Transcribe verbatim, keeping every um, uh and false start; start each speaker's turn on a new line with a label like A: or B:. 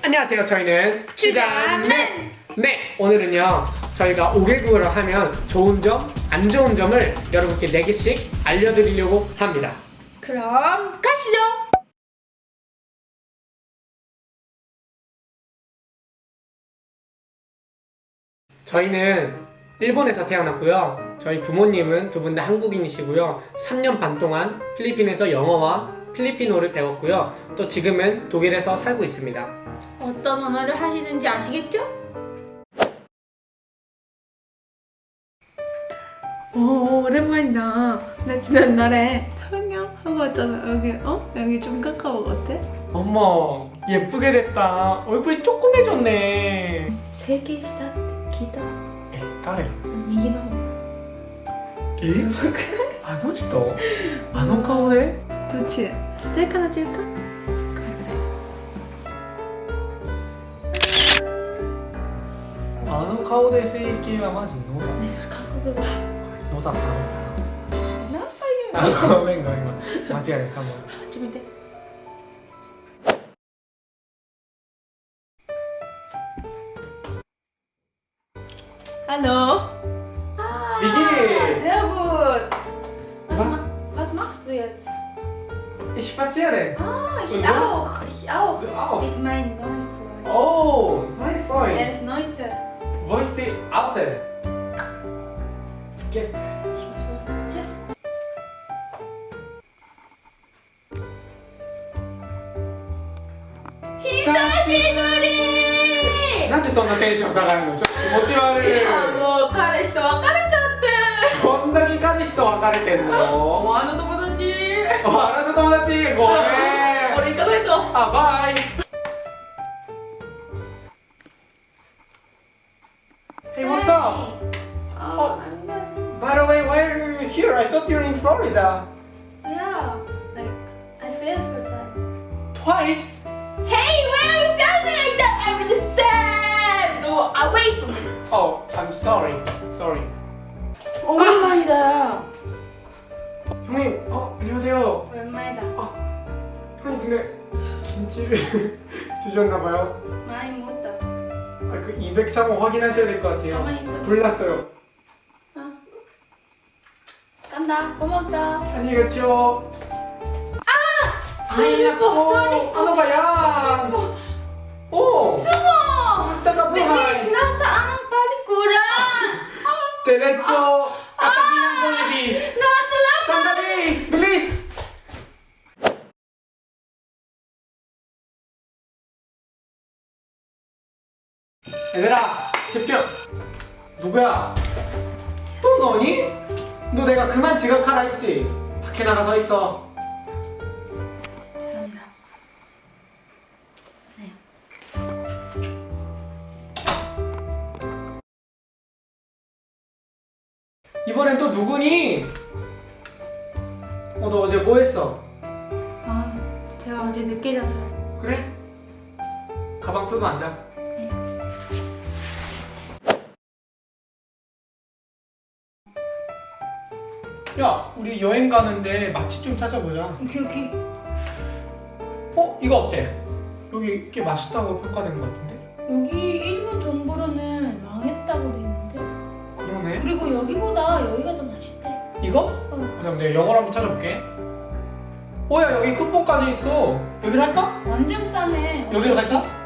A: 안녕하세요. 저희는
B: 주자맨!
A: 네, 오늘은요 저희가 오 개국어를 하면 좋은 점, 안 좋은 점을 여러분께 네 개씩 알려드리려고 합니다.
B: 그럼 가시죠!
A: 저희는 일본에서 태어났고요. 저희 부모님은 두 분 다 한국인이시고요. 삼 년 반 동안 필리핀에서 영어와 필리핀어를 배웠고요. 또 지금은 독일에서 살고 있습니다.
B: 어떤 언어를 하시는지 아시겠죠? 오, 오랜만이다. 나 지난날에 서영영 하고 왔잖아. 여기, 어? 여기 좀 가까워 같아?
A: 어머, 예쁘게 됐다. 얼굴이 조그매졌네.
B: 세계 시다 기다.
A: 에,誰?
B: 미기노.
A: えあの人あの顔で
B: 도치. 셀카나 찍을까? 그래.
A: あの顔で整形はマジノだ
B: 내 술 갖고 그거.
A: ノだったの
B: 나빠요.
A: あごめんごめんごめん間違えたかも
B: 좀 이때. Hallo. Ah,
A: Wie geht's?
B: Sehr gut. Was,
A: Was?
B: ma was machst du jetzt?
A: Ich spaziere
B: Ah, ich
A: Und du?
B: auch. Ich auch.
A: Du auch?
B: Mit meinem neuen Freund.
A: Oh, mein
B: Er
A: Freund
B: ist neunzehn.
A: Wo ist die Alte? Geh.
B: Ich muss los. Tschüss. Hisashiburi!
A: なんでそんなテンション高いのちょっと気持ち悪い
B: 야, 뭐, 彼氏と別れちゃって。
A: どんだけ彼氏と別れてんの
B: お前の友達。
A: あらの友達ごめん
B: 俺行かないと。
A: あ、バイ Hey, what's up?
B: Oh, I'm good.
A: By the way, why are you here? I thought you were in Florida.
B: Yeah, like, I failed for twice.
A: Twice?
B: Hey, why are you telling me like that? I'm really sad. Go away from me.
A: Oh, I'm sorry. Sorry.
B: 오랜만이다.
A: 형님, 어, 안녕하세요.
B: 오랜만이다.
A: 아, 형님 근데 김치를 드셨나봐요.
B: 많이 먹었다.
A: 아, 그 이백삼 호 확인하셔야 될 것 같아요.
B: 가만히 있어.
A: 불났어요.
B: 어. 간다. 고맙다.
A: 안녕히 가세요.
B: 슬리퍼, 슬리퍼.
A: Ano ba yan? Oh!
B: 숨어.
A: Kamusta ka
B: Bilis,
A: buhay?
B: nasaan ang palikuran?
A: Diretso! Katabi ng Jollibee!
B: Nasa laman.
A: Sandali! Bilis! 얘들아! 집중! 누구야? 또 너니? 너 내가 그만 지각하라 했지? 밖에 나가 서 있어.
B: 죄송합니다. 네.
A: 이번엔 또 누구니? 어, 너 어제 뭐 했어?
B: 아, 제가 어제 늦게 자서요.
A: 그래? 가방 풀고 앉아.
B: 네.
A: 야, 우리 여행 가는데 맛집 좀 찾아보자.
B: 오케이, 오케이.
A: 어? 이거 어때? 여기 꽤 맛있다고 평가되는 것 같은데?
B: 여기 일본 정보로는 망했다고 돼 있는데.
A: 그러네.
B: 그리고 여기보다 여기가 더 맛있대.
A: 이거?
B: 어.
A: 그럼 내가 영어로 한번 찾아볼게. 오야, 여기 쿠폰까지 있어. 여기로 할까?
B: 완전 싸네.
A: 여기로 갈까?